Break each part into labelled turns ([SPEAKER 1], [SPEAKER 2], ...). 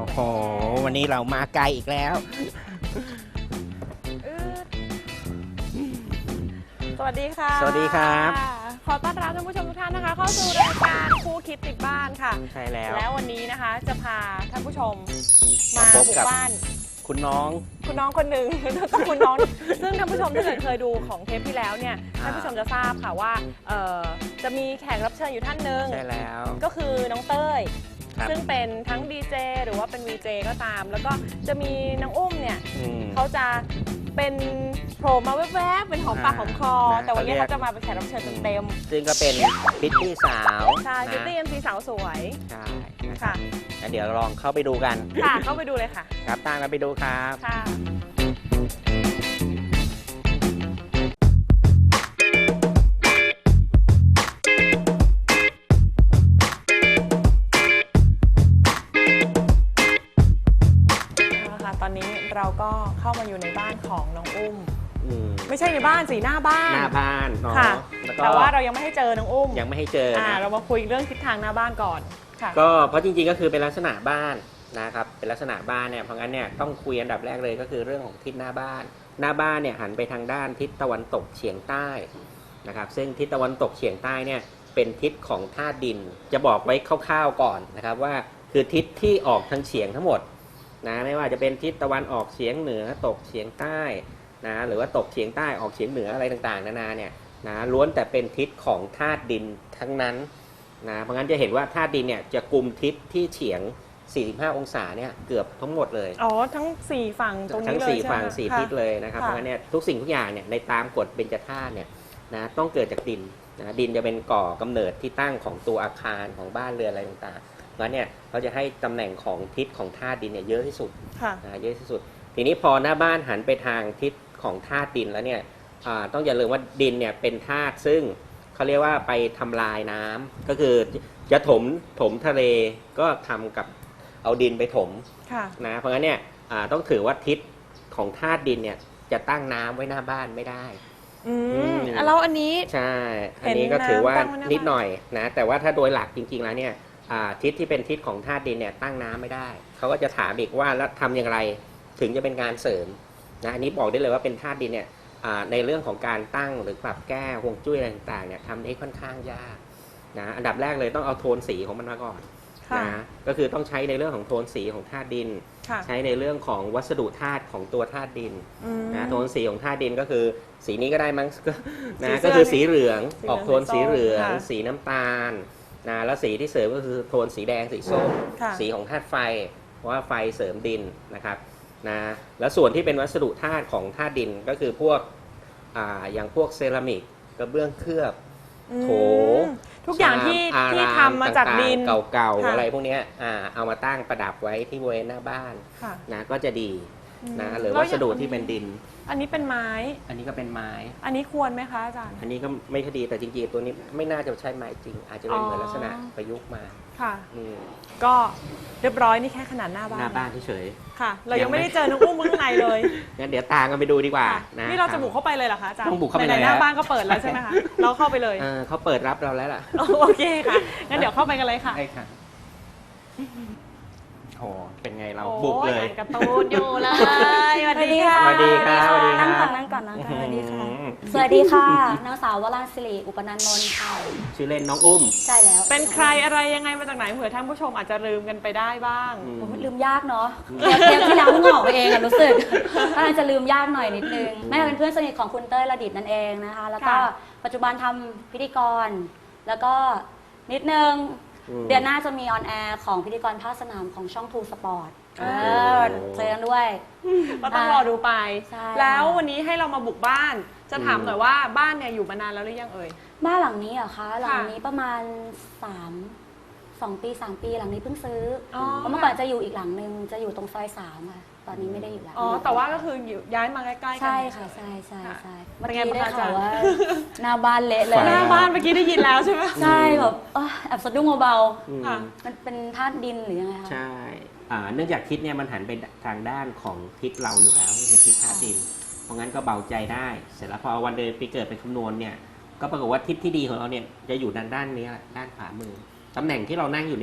[SPEAKER 1] โหวันนี้เรามาไกลอีกแล้ว
[SPEAKER 2] สวัสดีค่ะ
[SPEAKER 1] สวัสดีครับ
[SPEAKER 2] ขอต้อนรับท่านผู้ชมทุกท่านนะคะเข้าสู่รายการคู่คิดติดบ้านค่ะ
[SPEAKER 1] ใช่แล้ว
[SPEAKER 2] วันนี้นะคะจะพาท่านผู้ชมมา
[SPEAKER 1] พบ
[SPEAKER 2] บุก
[SPEAKER 1] กับ
[SPEAKER 2] บ้าน
[SPEAKER 1] คุณน้อง
[SPEAKER 2] คนหนึ่ง ต้องคุณน้อง ซึ่งท่านผู้ชมถ้าเกิดเคยดูของเทปที่แล้วเนี่ยท่านผู้ชมจะทราบค่ะว่าจะมีแขกรับเชิญอยู่ท่านหนึ่ง
[SPEAKER 1] ใช่แล้ว
[SPEAKER 2] ก็คือน้องเต้ย
[SPEAKER 1] ครับ
[SPEAKER 2] ซึ่งเป็นทั้งดีเจหรือว่าเป็นวีเจก็ตาม แล้วก็จะมีน้องอุ้มเนี่ย
[SPEAKER 1] ม
[SPEAKER 2] เขาจะเป็นโผล่มาแวบๆเป็นหอมปากหอมคอ
[SPEAKER 1] นะ
[SPEAKER 2] แต่วันนี้
[SPEAKER 1] เขาเรียก
[SPEAKER 2] เขาจะมาเป็นแขกรับเชิญเต็ม
[SPEAKER 1] ซึ่งก็เป็นพิตตี้สาว
[SPEAKER 2] ๆใช่พิตตี้
[SPEAKER 1] นะ
[SPEAKER 2] เอ็มซีสาวสวย
[SPEAKER 1] ใช่นะครั
[SPEAKER 2] ค่ะ
[SPEAKER 1] บงั้นเดี๋ยวลองเข้าไปดูกัน
[SPEAKER 2] ค่ะ เข้าไปดูเลยค่ะ
[SPEAKER 1] ครับตามกันไปดูครับ
[SPEAKER 2] ค่ะเอาละค่ะ ตอนนี้เราก็เข้ามาอยู่ในบ้านของน้องอุ้ม ไม่ใช่ในบ้านสิหน้าบ้าน
[SPEAKER 1] หน้าบ้านเนาะ
[SPEAKER 2] ค่ะ
[SPEAKER 1] แล้วก็
[SPEAKER 2] แต่ว่าเรายังไม่ให้เจอน้องอุ้ม
[SPEAKER 1] ยังไม่ให้เจอนะ
[SPEAKER 2] เรามาคุยเรื่องทิศทางหน้าบ้านก่อนค่ะ
[SPEAKER 1] ก็เพราะจริงๆก็คือเป็นลักษณะบ้านนะครับเป็นลักษณะบ้านเนี่ยเพราะงั้นเนี่ยต้องคุยอันดับแรกเลยก็คือเรื่องของทิศหน้าบ้าน หน้าบ้านเนี่ยหันไปทางด้านทิศตะวันตกเฉียงใต้นะครับซึ่งทิศตะวันตกเฉียงใต้เนี่ยเป็นทิศของธาตุดินจะบอกไว้คร่าวๆก่อนนะครับว่าคือทิศที่ออกทางเฉียงทั้งหมดนะไม่ว่าจะเป็นทิศตะวันออกเฉียงเหนือตกเฉียงใต้นะหรือว่าตกเฉียงใต้ออกเฉียงเหนืออะไรต่างๆนานาเนี่ยนะล้วนแต่เป็นทิศของธาตุดินทั้งนั้นนะเพราะงั้นจะเห็นว่าธาตุดินเนี่ยจะกุมทิศที่เฉียง 45 องศาเนี่ยเกือบทั้งหมดเลย
[SPEAKER 2] อ๋อทั้ง4ฝั่งตรง
[SPEAKER 1] ทั้
[SPEAKER 2] นี้
[SPEAKER 1] ง
[SPEAKER 2] เลย
[SPEAKER 1] 4 ฝั่ง
[SPEAKER 2] ใช่ไหม
[SPEAKER 1] 4 ทิศเลยนะครับ
[SPEAKER 2] ค่ะ
[SPEAKER 1] เพราะงั้นเนี่ยทุกสิ่งทุกอย่างเนี่ยในตามกฎเบญจธาตุเนี่ยนะต้องเกิดจากดินนะดินจะเป็นก่อกำเนิดที่ตั้งของตัวอาคารของบ้านเรือนอะไรต่างๆงั้นเนี่ยเขาจะให้ตำแหน่งของทิศของธาตุดินเนี่ยเยอะที่สุด
[SPEAKER 2] ค่ะ
[SPEAKER 1] นะเยอะที่สุด ทีนี้พอหน้าบ้านหันไปทางทิศของธาตุดินแล้วเนี่ยต้องอย่าลืมว่าดินเนี่ยเป็นธาตุซึ่งเขาเรียกว่าไปทำลายน้ำก็คือจะถมทะเลก็ทำกับเอาดินไปถม
[SPEAKER 2] ค่ะ
[SPEAKER 1] นะเพราะงั้นเนี่ยต้องถือว่าทิศของธาตุดินเนี่ยจะตั้งน้ำไว้หน้าบ้านไม่ได้
[SPEAKER 2] แล้วอันนี้
[SPEAKER 1] ใช่อันนี้ก็ถือว่า
[SPEAKER 2] เห็นน้ำตั้งไว้หน้าบ้าน
[SPEAKER 1] นิดหน่อยนะแต่ว่าถ้าโดยหลักจริงๆแล้วเนี่ยทิศที่เป็นทิศของธาตุดินเนี่ยตั้งน้ำไม่ได้เขาก็จะถามอีกว่าแล้วทำอย่างไรถึงจะเป็นการเสริมนะอันนี้บอกได้เลยว่าเป็นธาตุดินเนี่ยในเรื่องของการตั้งหรือปรับแก้ฮวงจุ้ยอะไรต่างๆเนี่ยทำได้ค่อนข้างยากนะอันดับแรกเลยต้องเอาโทนสีของมันมาก่อน
[SPEAKER 2] ค่ะ
[SPEAKER 1] นะก็คือต้องใช้ในเรื่องของโทนสีของธาตุดิน
[SPEAKER 2] ค่ะ
[SPEAKER 1] ใช้ในเรื่องของวัสดุธาตุของตัวธาตุดิน
[SPEAKER 2] อืม
[SPEAKER 1] นะโทนสีของธาตุดินก็คือสีนี้ก็ได้มั้ง
[SPEAKER 2] สี
[SPEAKER 1] นะ
[SPEAKER 2] เสื้อ
[SPEAKER 1] ก็คือสีเหลือง
[SPEAKER 2] สีเหลือง
[SPEAKER 1] ออกโทนสีเหลือง
[SPEAKER 2] ค่ะ
[SPEAKER 1] สีน้ำตาลนะแล้วสีที่เสริมก็คือโทนสีแดงสีส้ม
[SPEAKER 2] ค่ะ
[SPEAKER 1] สีของธาตุไฟเพราะว่าไฟเสริมดินนะครับนะแล้วส่วนที่เป็นวัสดุธาตุของธาตุดินก็คือพวกอย่างพวกเซรามิกกระเบื้องเคลือบ โถ
[SPEAKER 2] ทุกอย่างที่
[SPEAKER 1] ชาม
[SPEAKER 2] ที่
[SPEAKER 1] อร
[SPEAKER 2] ทำมาจากดิน
[SPEAKER 1] ต่งๆเก่าๆ
[SPEAKER 2] ค่ะ
[SPEAKER 1] อะไรพวกเนี้ยเอามาตั้งประดับไว้ที่บริเวณหน้าบ้าน
[SPEAKER 2] ค่ะ
[SPEAKER 1] นะก็จะดีนะหรือ
[SPEAKER 2] แล้ว
[SPEAKER 1] วัสดุ
[SPEAKER 2] อย่าง
[SPEAKER 1] ที่เป็นดิน
[SPEAKER 2] อันนี้เป็นไม้
[SPEAKER 1] อันนี้ก็เป็นไม้
[SPEAKER 2] อันนี้ควรไหมคะอาจารย์
[SPEAKER 1] อันนี้ก็ไม่คอยดีแต่จริงๆตัวนี้ไม่น่าจะใช่ไม้จริง อาจจะเป็นเหมือนลักษณะประยุกต์มา
[SPEAKER 2] ค่ะ
[SPEAKER 1] อืม
[SPEAKER 2] ก็เรียบร้อยนี่แค่ขนาดหน้าบ้า
[SPEAKER 1] ห
[SPEAKER 2] น
[SPEAKER 1] น้าบ้านเฉย
[SPEAKER 2] ค่ะ เรายังไม่ได้เจอน้องอุ้มข้างในเลย
[SPEAKER 1] ๆงั้นเดี๋ยวตามกันไปดูดีกว่า
[SPEAKER 2] ค่ะ
[SPEAKER 1] นะ
[SPEAKER 2] นี่เราจะบุกเข้าไปเลยเหรอคะอาจารย์
[SPEAKER 1] ต้องบุกเข้าไป
[SPEAKER 2] ไหน
[SPEAKER 1] เลย
[SPEAKER 2] ๆหน้า
[SPEAKER 1] ฮะ
[SPEAKER 2] บ้านก็เปิดแล้วใช่ไหมคะ เราเข้าไปเลย
[SPEAKER 1] เขาเปิดรับเราแล้วล่ะ
[SPEAKER 2] โอเคค่ะ งั้นเดี๋ยวเข้าไปกันเลยค่ะ
[SPEAKER 1] ใช่ค่ะโอ้เป็นไงเรา
[SPEAKER 2] โอ้
[SPEAKER 1] บุกเลย
[SPEAKER 2] อ่านการ์ตูนอยู่เลยสวัสดีค่ะ
[SPEAKER 1] สวัสดีครับสวัสดีครั
[SPEAKER 3] นั่
[SPEAKER 1] บ
[SPEAKER 3] งก่อนนั่งก่อนนั่งก่อนส
[SPEAKER 1] อื้
[SPEAKER 3] วั
[SPEAKER 1] อ
[SPEAKER 3] สดี
[SPEAKER 1] หือ
[SPEAKER 3] ค่ะ สวัสดีค่ะ นางสาววราศิริอุปนันท์นนท์ค่ะ
[SPEAKER 1] ชื่อเล่นน้องอุ้ม
[SPEAKER 3] ใช่แล้ว
[SPEAKER 2] เป็นใครอะไรยังไงมาจากไหนเผื่อท่านผู้ชมอาจจะลืมกันไปได้บ้าง
[SPEAKER 3] โอ้โหลืมยากเนาะเทปที่แล้วเพิ่งออกไปเองอะรู้สึกก็เลยจะลืมยากหน่อยนิดนึงแม่เป็นเพื่อนสนิทของคุณเต้ยระดิษฐ์นั่นเองนะคะ แล้วก็
[SPEAKER 2] ค่ะ
[SPEAKER 3] ปัจจุบันทำพิธีกร แล้วก็นิดนึง
[SPEAKER 1] อืม
[SPEAKER 3] เดือนหน้าจะมีออนแอร์ของพิธีกรภาคสนามของช่องทูสปอร์ต
[SPEAKER 1] โอ้
[SPEAKER 3] เจอกันด้วย
[SPEAKER 2] ก็ต้องรอดูไป
[SPEAKER 3] ใช่
[SPEAKER 2] แล้ววันนี้ให้เรามาบุกบ้าน จะถามหน่อยว่าบ้านเนี่ยอยู่มานานแล้วหรือยังเอ่ย
[SPEAKER 3] บ้านหลังนี้เหรอคะหลังนี้ประมาณ2 ปี 3 ปีหลังนี้เพิ่งซื้ออ
[SPEAKER 2] อ
[SPEAKER 3] เพราะเมื่อก่อนจะอยู่อีกหลังนึงจะอยู่ตรงซอย3ค่ะตอนนี้ไม่ได้อยู่แล้ว
[SPEAKER 2] อ๋อ แต่ว่าก็คืออยู่ย้ายมาใกล้ๆกั
[SPEAKER 3] ใช่ค่ะใช่ใช่ใช่
[SPEAKER 2] เป็
[SPEAKER 3] เมื่อน
[SPEAKER 2] ไง
[SPEAKER 3] กี้
[SPEAKER 2] บ้าง
[SPEAKER 3] ได้
[SPEAKER 2] คะอาจา
[SPEAKER 3] ข่าร ว
[SPEAKER 2] ย์
[SPEAKER 3] ว่าหน้าบ้านเละเลย
[SPEAKER 2] หน้าบ้านเมื่อกี้ได้ยินแล้วใช่ไหม
[SPEAKER 3] ใช่แบบแอบสะดุ้งเบา
[SPEAKER 1] อืม
[SPEAKER 2] ค่ะ
[SPEAKER 3] ๆมันเป็นธาตุดินหรือยังไงคะ
[SPEAKER 1] ใช่เนื่องจากทิศเนี่ยมันหันไปทางด้านของทิศเราอยู่แล้วคือทิศธาตุดิน เพราะงั้นก็เบาใจได้ เสร็จแล้วพอวันเดือนปีเกิดไปคำนวณเนี่ย ก็ปรากฏว่าทิศที่ดีของเราเนี่ยจะอยู่ด้านนี้แหละด้านขวามือตำแหน่งที่เรานั่งอยู่เนี่ย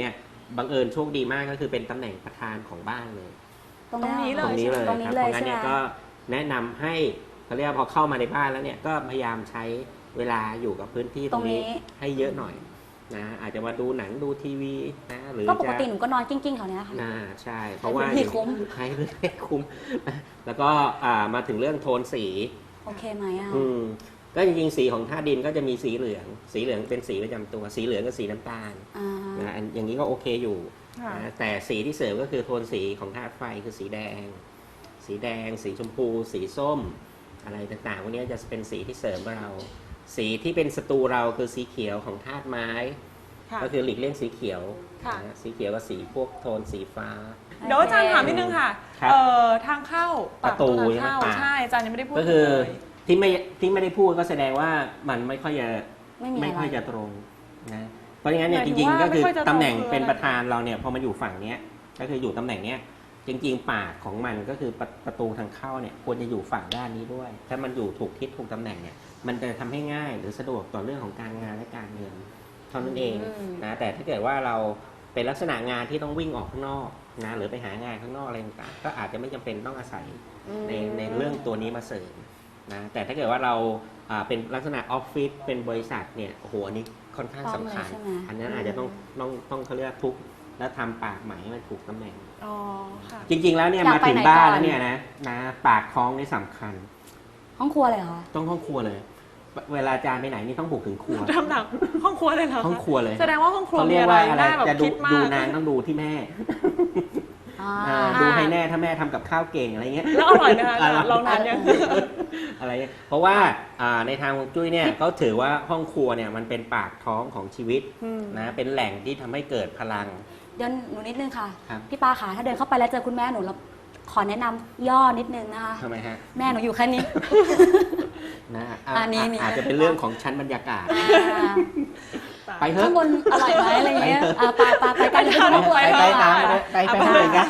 [SPEAKER 1] บังเอิญโชคดีมากก็คือเป็นตำแหน่งประธานของบ้านเลย
[SPEAKER 2] ตรงนี้เลย
[SPEAKER 1] ตรงนี้เลย
[SPEAKER 3] ตรงนี้
[SPEAKER 1] ครับ
[SPEAKER 3] เล
[SPEAKER 1] เพ
[SPEAKER 3] ย
[SPEAKER 1] ราะงั้น
[SPEAKER 3] ใช่ไหม
[SPEAKER 1] เนี่ยก็แนะนำให้เขาเรียกว่าพอเข้ามาในบ้านแล้วเนี่ยก็พยายามใช้เวลาอยู่กับพื้นที่ตรงนี้ให้เยอะหน่อยนะอาจจะมาดูหนังดูทีวีนะหรือ
[SPEAKER 3] ก็ปก
[SPEAKER 1] จะ
[SPEAKER 3] ติหนูก็นอนกิ้งๆแถวเนี้ยค่ะ
[SPEAKER 1] ใช่เพราะว่า
[SPEAKER 3] ให้คุ้ม
[SPEAKER 1] ให้ให้คุ้มแล้วก็มาถึงเรื่องโทนสี
[SPEAKER 3] โอเคไหมอ่ะ
[SPEAKER 1] ก็จริงๆสีของธาตุดินก็จะมีสีเหลืองเป็นสีประจำตัวสีเหลืองกับสีน้ำตาล
[SPEAKER 3] อ่า
[SPEAKER 1] นะอย่างนี้ก็โอเคอยู่
[SPEAKER 2] ค่ะ
[SPEAKER 1] นะแต่สีที่เสริมก็คือโทนสีของธาตุไฟคือสีแดง สีชมพู สีส้ม อะไรต่างๆพวกนี้จะเป็นสีที่เสริมเรา สีที่เป็นศัตรูเราคือสีเขียวของธาตุไม้
[SPEAKER 2] ค่ะ
[SPEAKER 1] ก็คือหลีกเลี่ยงสีเขียว
[SPEAKER 2] ค่ะ
[SPEAKER 1] นะสีเขียวกับสีพวกโทนสีฟ้า
[SPEAKER 2] เดี๋ยวอาจารย์ถามนิดนึงค่ะ
[SPEAKER 1] ครับ
[SPEAKER 2] ทางเข้า
[SPEAKER 1] ประตู
[SPEAKER 2] ทางเข้า
[SPEAKER 1] ใช่ไหม
[SPEAKER 2] ใช่อาจารย์ยังไม่ได้พูด
[SPEAKER 1] ก็คือ
[SPEAKER 2] เลย
[SPEAKER 1] ที่ไม่ได้พูดก็แสดงว่ามันไม่ค่อยจะ
[SPEAKER 3] ไม่มี
[SPEAKER 1] ไม่
[SPEAKER 3] อะไร
[SPEAKER 1] ค่อยจะตรงนะเพราะงั้นเนี่ย
[SPEAKER 2] ห
[SPEAKER 1] จ
[SPEAKER 2] มายถึ
[SPEAKER 1] ริ
[SPEAKER 2] ง
[SPEAKER 1] ง
[SPEAKER 2] ว่า
[SPEAKER 1] ๆก็คือ
[SPEAKER 2] ไม่ค่อยจะตรง
[SPEAKER 1] ตำแหน่ง
[SPEAKER 2] คือ
[SPEAKER 1] เป็น
[SPEAKER 2] อะไร
[SPEAKER 1] ประธานเราเนี่ยพอมาอยู่ฝั่งเนี้ยก็คืออยู่ตำแหน่งเนี้ยจริงๆปากของมันก็คือประตูทางเข้าเนี่ยควรจะอยู่ฝั่งด้านนี้ด้วย ถ้ามันอยู่ถูกทิศถูกตำแหน่งเนี่ยมันจะทำให้ง่ายหรือสะดวกต่อเรื่องของการงานและการเงินเท่านั้นเองนะแต่ถ้าเกิดว่าเราเป็นลักษณะงานที่ต้องวิ่งออกข้างนอกนะหรือไปหางานข้างนอกอะไรต่างๆก็อาจจะไม่จำเป็นต้องอาศัยในเรื่องตัวนี้มาเสริมนะแต่ถ้าเกิดว่าเราเป็นลักษณะออฟฟิศเป็นบริษัทเนี่ยโอ้โหอันนี้ค่อนข้างสำคัญ
[SPEAKER 3] ต้องเลยใช่ไหม
[SPEAKER 1] อันนั้นอาจจะต้องเขาเรียกทุบแล้วทำปากไหมให้มันถูกตำแหน่ง
[SPEAKER 2] อ๋อค่ะ
[SPEAKER 1] จริง ๆ แล้วเนี่ย
[SPEAKER 3] อยาก
[SPEAKER 1] มาถึง
[SPEAKER 3] ไปไหน
[SPEAKER 1] บ้าน
[SPEAKER 3] ก่อน
[SPEAKER 1] แล้วเนี่ยนะปากท้องนี่สำคัญ
[SPEAKER 3] ห้องครัวเลยเหรอ
[SPEAKER 1] ต้องห้องครัวเลย เวลาอาจารย์ไปไหนนี่ต้องบุกถึงครัว
[SPEAKER 2] ทำหนักห้องครัวเลยเหรอคะ
[SPEAKER 1] ห้องครัวเลย
[SPEAKER 2] แสดงว่าห้องครัว
[SPEAKER 1] เขา
[SPEAKER 2] มี
[SPEAKER 1] เรียก
[SPEAKER 2] อะไร
[SPEAKER 1] ว่าอะไร
[SPEAKER 2] น่าแบบ
[SPEAKER 1] จะดู
[SPEAKER 2] คิดมา
[SPEAKER 1] ดู
[SPEAKER 2] ก
[SPEAKER 1] นางต้องดูที่แม่
[SPEAKER 3] อ่า
[SPEAKER 1] ดูให้แน่ถ้าแม่ทำกับข้าวเก่งอะไรเงี้ย
[SPEAKER 2] แล้วอร่อยไหมคะอาจารย์ลองทานยัง
[SPEAKER 1] อะไรเงี้ยเพราะว่าในทางฮวงจุ้ยเนี่ยเขาถือว่าห้องครัวเนี่ยมันเป็นปากท้องของชีวิต
[SPEAKER 2] อืม
[SPEAKER 1] นะเป็นแหล่งที่ทำให้เกิดพลัง
[SPEAKER 3] เดี๋ยวหนูนิดนึงค่ะ
[SPEAKER 1] ครับ
[SPEAKER 3] พี่ปาขาถ้าเดินเข้าไปแล้วเจอคุณแม่หนูแล้วขอแนะนำย่อนิดนึงนะคะ
[SPEAKER 1] ทำไมฮะ
[SPEAKER 3] แม่หนูอยู่แค่นี้
[SPEAKER 1] นะ
[SPEAKER 3] อันนี้นี่
[SPEAKER 1] อาจจะเป็นเรื่องของชั้นบรรยากาศ ไปเถ
[SPEAKER 3] ข้า
[SPEAKER 1] อะ
[SPEAKER 3] งบนอร่อยไหมอะไรเงี้ยไปกันเลย
[SPEAKER 1] ไปตามไปเลยกัน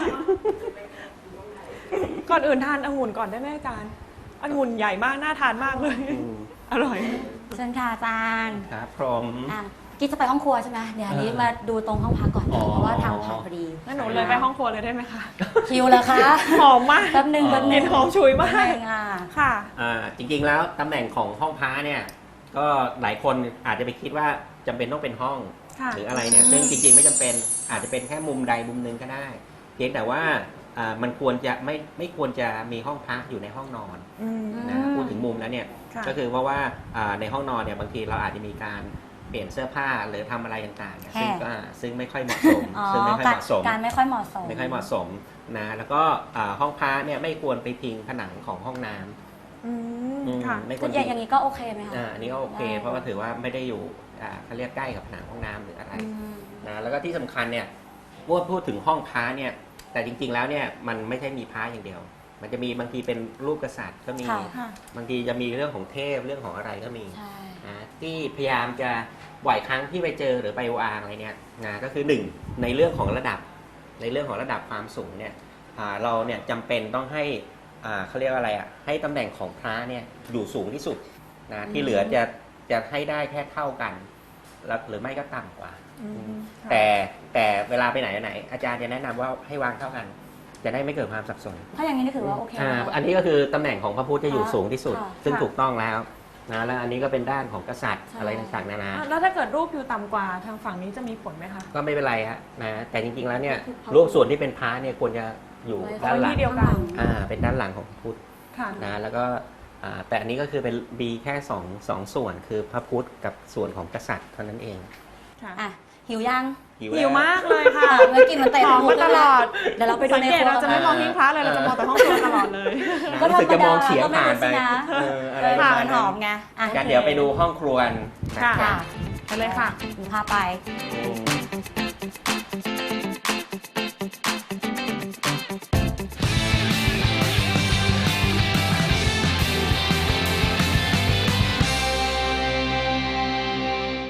[SPEAKER 2] ก่อนอื่นทานองุ่นก่อนได้ไหมอาจารย์องุ่นใหญ่มากน่าทานมากเลย อร่อย
[SPEAKER 3] เชิญค่ะอาจารย์
[SPEAKER 1] ครับพรหม
[SPEAKER 3] อ่ะกิ๊กจะไปห้องครัวใช่ไหมเดี๋ยวอันนี้มาดูตรงห้องพักก่อน
[SPEAKER 1] อ๋อ
[SPEAKER 3] เพราะว่าทางผ่านพอดี
[SPEAKER 2] งั้นหนูเลยไปห้องครัวเลยได้ไหมคะ
[SPEAKER 3] คิวเลยคะ
[SPEAKER 2] หอมมาก
[SPEAKER 3] แป๊บนึง
[SPEAKER 1] อ๋อ
[SPEAKER 2] กลิ่นหอมฉุยมาก
[SPEAKER 3] แป๊บนึงอ่ะ
[SPEAKER 2] ค่ะ
[SPEAKER 1] จริงๆแล้วตำแหน่งของห้องพระเนี่ยก็หลายคนอาจจะไปคิดว่าจำเป็นต้องเป็นห้อง
[SPEAKER 2] ค่ะ
[SPEAKER 1] หรืออะไรเนี่ยซึ่งจริงๆไม่จำเป็นอาจจะเป็นแค่มุมใดมุมหนึ่งก็ได้ เพียงแต่ว่ามันควรจะไม่ควรจะมีห้องพระอยู่ในห้องนอน
[SPEAKER 2] อืม
[SPEAKER 1] นะพูดถึงมุมแล้วเนี่ย
[SPEAKER 2] ค่ะ
[SPEAKER 1] ก็คือเพราะว่าในห้องนอนเนี่ยบางทีเราอาจจะมีการเปลี่ยนเสื้อผ้าหรือทำอะไรต่างๆเนี่ยซึ่งไม่ค่อยเหมาะสม
[SPEAKER 3] อ๋อ
[SPEAKER 1] ซึ่งไม่ค่อยเหมาะสม
[SPEAKER 3] การไม่ค่อยเหมาะสม
[SPEAKER 1] ไม่ค่อยเหมาะสมนะแล้วก็ห้องพระเนี่ยไม่ควรไปพิงผนังของห้องน้ำ
[SPEAKER 2] อืมค่ะ
[SPEAKER 1] ไม่ค
[SPEAKER 3] คื
[SPEAKER 1] วร
[SPEAKER 3] อ
[SPEAKER 1] พิง
[SPEAKER 3] อย่างนี้ก็โอเคไหมคะ
[SPEAKER 1] อันนี้ก็โอเค
[SPEAKER 3] ได้
[SPEAKER 1] เพราะว่าถือว่าไม่ได้อยู่เขาเรียกใกล้กับผนังห้องน้ำหรืออะไร
[SPEAKER 3] อืม
[SPEAKER 1] นะแล้วก็ที่สำคัญเนี่ยพูดถึงห้องพระเนี่ยแต่จริงๆแล้วเนี่ยมันไม่ใช่มีพระอย่างเดียว มันจะมีบางทีเป็นรูปกษัตริย์ก็มี
[SPEAKER 3] ค่ะ
[SPEAKER 2] ค่ะ
[SPEAKER 1] บางทีจะมีเรื่องของเทพเรื่องของอะไรก็มี
[SPEAKER 3] ใช่
[SPEAKER 1] นะที่พยายามจะบ่อยครั้งที่ไปเจอหรือไปวางอะไรเนี่ยนะก็คือหนึ่งในเรื่องของระดับความสูงเนี่ยเราเนี่ยจำเป็นต้องให้เขาเรียกว่าอะไรให้ตำแหน่งของพระเนี่ยอยู่สูงที่สุดนะที่เหลือจะให้ได้แค่เท่ากันแล้วหรือไม่ก็ต่ำกว่า
[SPEAKER 2] อืมค่ะ
[SPEAKER 1] แต่เวลาไปไหนอาจารย์จะแนะนำว่าให้วางเท่ากัน จะได้ไม่เกิดความสับสน
[SPEAKER 3] ถ้าอย่างนี้นี่ถือว่าโอเคไหมคะ
[SPEAKER 1] อันนี้ก็คือตำแหน่งของพระพุทธจะอยู่สูงที่สุด
[SPEAKER 3] ค่ะ
[SPEAKER 1] ซึ่ง
[SPEAKER 2] ค่ะ
[SPEAKER 1] ถูกต้องแล้วนะแล้วอันนี้ก็เป็นด้านของกษัตริย์
[SPEAKER 3] ใช่
[SPEAKER 1] อะไรต่างๆนานา
[SPEAKER 2] แล้วถ้าเกิดรูปอยู่ต่ำกว่าทางฝั่งนี้จะมีผลไหมคะ
[SPEAKER 1] ก็ไม่เป็นไรฮะนะแต่จริงๆแล้วเนี่ยรูปส่วนที่เป็นพระเนี่ยควรจะอยู่ด้านหลัง
[SPEAKER 2] ที่เดียวกัน
[SPEAKER 1] เป็นด้านหลังของพระพุทธ
[SPEAKER 2] ค่ะ
[SPEAKER 1] นะแล้วก็แต่อันนี้ก็คือเป็นมีแค่สองส่วนคือพระพุทธกับส่วนของกษัตริย์เท่านั้นเอง
[SPEAKER 2] ค่ะ
[SPEAKER 3] อ่ะหิวยัง
[SPEAKER 2] หิวมากเลยค่ะ
[SPEAKER 3] เมื่อกี้มันเตะ
[SPEAKER 2] หอมมาตลอด
[SPEAKER 3] เดี๋ยวเราไปดู
[SPEAKER 2] สัง
[SPEAKER 3] ใน
[SPEAKER 2] เก
[SPEAKER 3] ค
[SPEAKER 2] ต
[SPEAKER 3] รัว
[SPEAKER 2] เราจะไม่มองหิ้งพระเลยเราจะมองแต่ห้องครัวตลอดเลย
[SPEAKER 1] นะรู้สึกจะมองเฉียงผ่านไป
[SPEAKER 3] ก็ธรรมดา
[SPEAKER 1] อะไรประมาณ
[SPEAKER 3] มันห
[SPEAKER 1] นั้
[SPEAKER 3] อน มไงอ่ะ
[SPEAKER 1] กันเดี๋ยวไปดูห้องครัวนะ
[SPEAKER 2] ค่ะ
[SPEAKER 1] ครับ
[SPEAKER 2] ไปเลยค่ะ
[SPEAKER 3] หนูพาไป
[SPEAKER 1] อืม